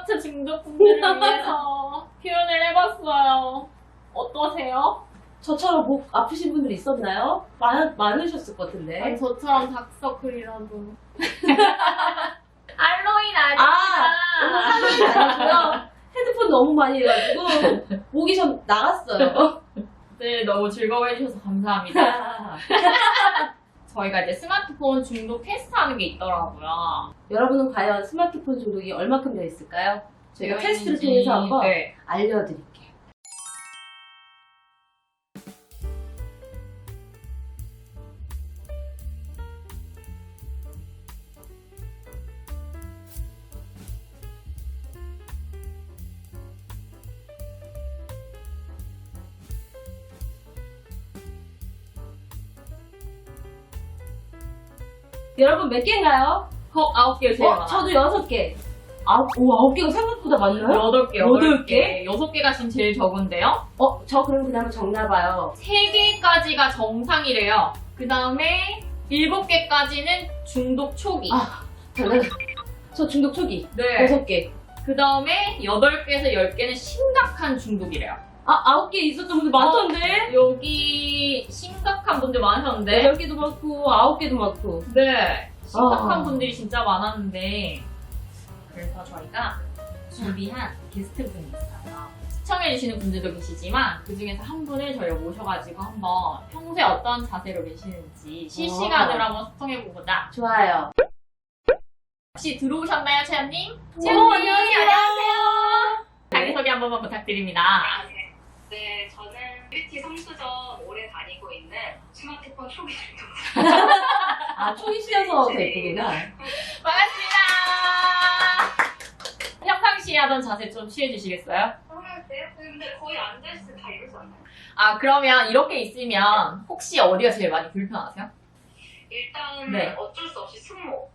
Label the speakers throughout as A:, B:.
A: 스마트 중독분들을 위해서 표현을 해봤어요. 어떠세요?
B: 저처럼 목 아프신 분들 있었나요? 많으셨을 것 같은데.
A: 아니, 저처럼 다크서클이라도. 알로인 아닙니다.
B: 할로윈 아니고요. 헤드폰 너무 많이 해가지고 목이 좀 나갔어요.
A: 네, 너무 즐거워해주셔서 감사합니다. 저희가 이제 스마트폰 중독 테스트하는 게 있더라고요.
B: 여러분은 과연 스마트폰 중독이 얼마큼 되어 있을까요? 저희가
A: 되어
B: 테스트를
A: 있는지,
B: 통해서 한번
A: 네.
B: 알려드릴게요. 여러분 몇 개인가요?
A: 9개 제일 많아요.
B: 저도 6개. 아홉 개가 생각보다 많나요?
A: 8개,
B: 여덟
A: 8개. 6개가 지금 제일 적은데요?
B: 저 그럼 그냥 적나봐요.
A: 3개까지가 정상이래요. 그 다음에 7개까지는 중독 초기.
B: 저 중독 초기.
A: 네.
B: 6개.
A: 그 다음에 8개에서 10개는 심각한 중독이래요.
B: 9개 있었던 분들 많던데?
A: 여기 심각한 분들 많으셨는데.
B: 8개도 많고, 9개도 많고.
A: 네. 심각한
B: 아.
A: 분들이 진짜 많았는데. 그래서 저희가 준비한 게스트분이 있어요. 시청해주시는 분들도 계시지만 그 중에서 한 분을 저희가 모셔가지고 한번 평소에 어떤 자세로 계시는지 실시간으로 한번 소통해보고자.
B: 좋아요.
A: 혹시 들어오셨나요, 채연님?
B: 안녕하세요.
A: 자기소개 한 번만 부탁드립니다.
C: 네, 저는 뷰티 성수점 오래 다니고 있는 스마트폰 초기 중독.
B: 초기시여서 됐구나.
A: 반갑습니다. 평상시에 하던 자세 좀 취해주시겠어요?
C: 그러세요? 근데 거의 앉아있을 때 다 이러지 않나요?
A: 그러면 이렇게 있으면 혹시 어디가 제일 많이 불편하세요?
C: 일단
A: 네.
C: 어쩔 수 없이 승모.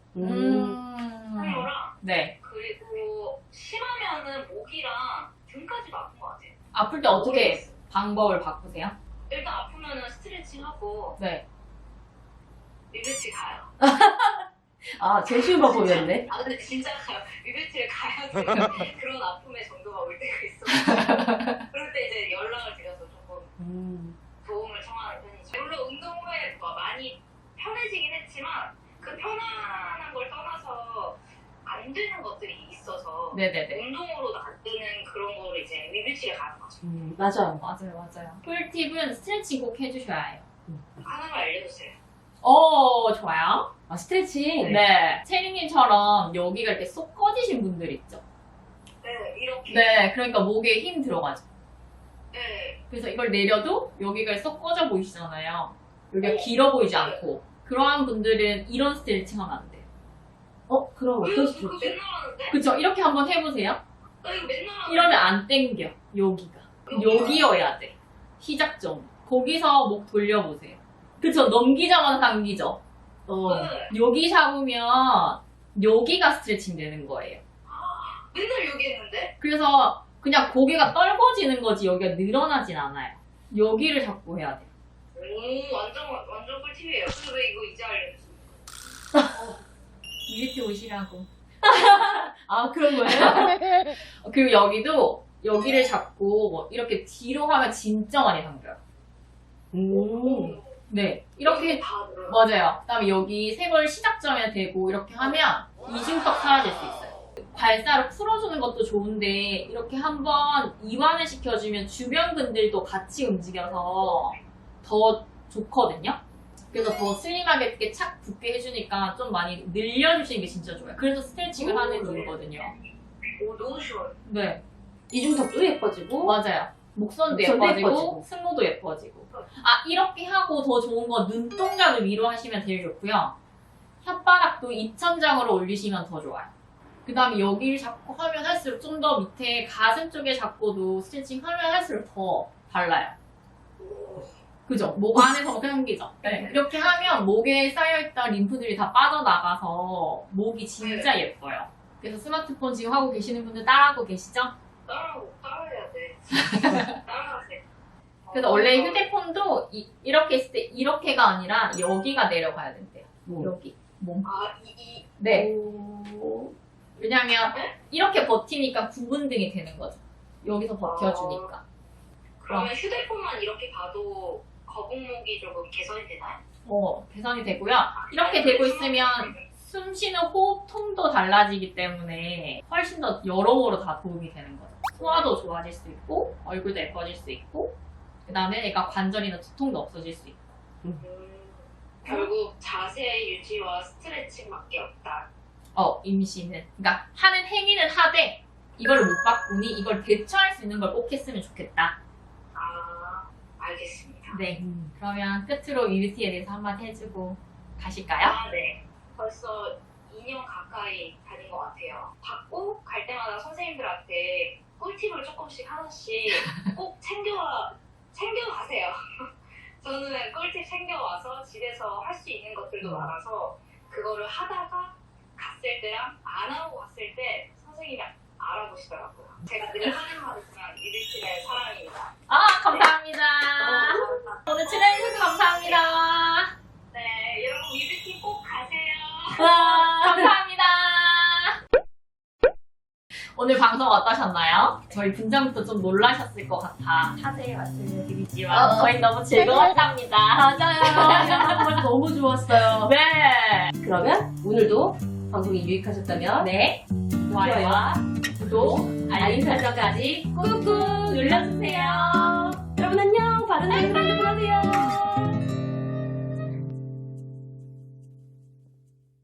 A: 네.
C: 네. 그리고 심하면은 목이랑 등까지도 아픈 것 같아요.
A: 아플 때 어떻게
C: 모르겠어요.
A: 방법을 바꾸세요?
C: 일단 아프면은 스트레칭하고
A: 네.
C: 리뷰티 가요.
B: 제일 쉬운 방법이었네.
C: 근데 진짜 가요. 리뷰티를 가야 돼요. 그런 아픔의 정도가 올 때가 있어요. 그럴 때 이제 연락을 드려서 조금 도움을 청하는 편이죠. 물론 운동 후에 많이 편해지긴 했지만 그 편안한 걸 떠나서 안 되는 것들이 있어서
A: 네네네.
C: 운동으로도 안 되는 그런 거를 이제 리뷰티를 가는 거죠.
B: 맞아요.
A: 맞아요. 꿀팁은 스트레칭 꼭 해주셔야 해요.
C: 하나만 알려주세요.
A: 좋아요.
B: 스트레칭.
A: 네. 체리님처럼 여기가 이렇게 쏙 꺼지신 분들 있죠?
C: 네, 이렇게.
A: 네. 그러니까 목에 힘 들어가죠.
C: 네.
A: 그래서 이걸 내려도 여기가 쏙 꺼져 보이시잖아요. 여기가 길어 보이지 않고. 그러한 분들은 이런 스트레칭 하면 안 돼요.
B: 그럼
C: 왜
B: 어떤
C: 그거
B: 스트레칭?
C: 맨날 하는데?
A: 그쵸? 이렇게 한번 해보세요.
C: 나 이거 맨날 하는데.
A: 이러면 안 땡겨. 여기가. 여기여야 돼. 시작점. 거기서 목 돌려보세요. 그쵸? 넘기자마자 당기죠?
C: 네.
A: 여기 잡으면 여기가 스트레칭 되는 거예요.
C: 맨날 여기 했는데?
A: 그래서 그냥 고개가 떨궈지는 거지 여기가 늘어나진 않아요. 여기를 잡고 해야 돼요.
C: 오, 완전 꿀팁이에요. 근데 왜 이거 이제 알려주세요?
A: 이렇게 오시라고.
B: 그런 거예요?
A: 그리고 여기도 여기를 잡고 뭐 이렇게 뒤로 하면 진짜 많이 당겨요. 네. 이렇게
C: 다 늘어요.
A: 맞아요. 그다음에 여기 세골 시작점에 대고 이렇게 하면 이중턱 사라질 수 있어요. 발사를 풀어주는 것도 좋은데 이렇게 한번 이완을 시켜주면 주변 근들도 같이 움직여서 더 좋거든요. 그래서 더 슬림하게 이렇게 착 붙게 해주니까 좀 많이 늘려주시는 게 진짜 좋아요. 그래서 스트레칭을 하는 이유거든요.
C: 오, 너무 쉬워요.
A: 네,
B: 이중턱도 예뻐지고.
A: 맞아요. 목선도
B: 목선도
A: 예뻐지고,
B: 예뻐지고.
A: 승모도 예뻐지고. 이렇게 하고 더 좋은 건 눈동자를 위로 하시면 제일 좋고요. 혓바닥도 입천장으로 올리시면 더 좋아요. 그 다음에 여기를 잡고 하면 할수록 좀 더 밑에 가슴 쪽에 잡고도 스트레칭 하면 할수록 더 발라요. 그죠? 목 안에서부터 당기죠? 네. 이렇게 하면 목에 쌓여있던 림프들이 다 빠져나가서 목이 진짜 예뻐요. 그래서 스마트폰 지금 하고 계시는 분들 따라하고 계시죠?
C: 따라해야 돼. 따라하세요.
A: 그래서 원래 휴대폰도 이렇게 했을 때 이렇게가 아니라 여기가 내려가야 된대요. 여기. 몸.
C: 아,
A: 네. 왜냐면 이렇게 버티니까 구분등이 되는 거죠. 여기서 버텨주니까.
C: 그러면 휴대폰만 이렇게 봐도 거북목이 조금 개선이 되나요?
A: 개선이 되고요. 이렇게 되고 있으면 숨 쉬는 호흡통도 달라지기 때문에 훨씬 더 여러모로 다 도움이 되는 거죠. 소화도 좋아질 수 있고, 얼굴도 예뻐질 수 있고, 그 다음에 얘가 관절이나 두통도 없어질 수 있고.
C: 결국 자세 유지와 스트레칭밖에 없다.
A: 임신은. 그러니까 하는 행위는 하되, 이걸 못 바꾸니 이걸 대처할 수 있는 걸 꼭 했으면 좋겠다.
C: 아, 알겠습니다.
A: 네. 그러면 끝으로 UBT에 대해서 한마디 해주고 가실까요?
C: 네. 벌써 2년 가까이 다닌 것 같아요. 받고 갈 때마다 선생님들한테 꿀팁을 조금씩 하나씩 꼭 챙겨가세요. 저는 꿀팁 챙겨와서 집에서 할 수 있는 것들도 많아서 그거를 하다가 갔을 때랑 안 하고 갔을 때 선생님이 알아보시더라고요. 제가 늘 하는 말이지만 UBT의 사랑입니다.
A: 감사합니다. 오늘 출연해주셔서 감사합니다.
C: 네, 여러분 UBT 꼭 가세요.
A: 감사합니다. 오늘 방송 어떠셨나요? 저희 분장부터 좀 놀라셨을 것 같아. 자세히 말씀드리지만 저희 너무 즐거웠답니다.
B: 맞아요. 정말 너무 좋았어요.
A: 네.
B: 그러면 오늘도 방송이 유익하셨다면
A: 네. 좋아요와 구독, 알림 설정까지 꾹꾹 눌러주세요.
B: 여러분 안녕. 바른 하루 보내세요.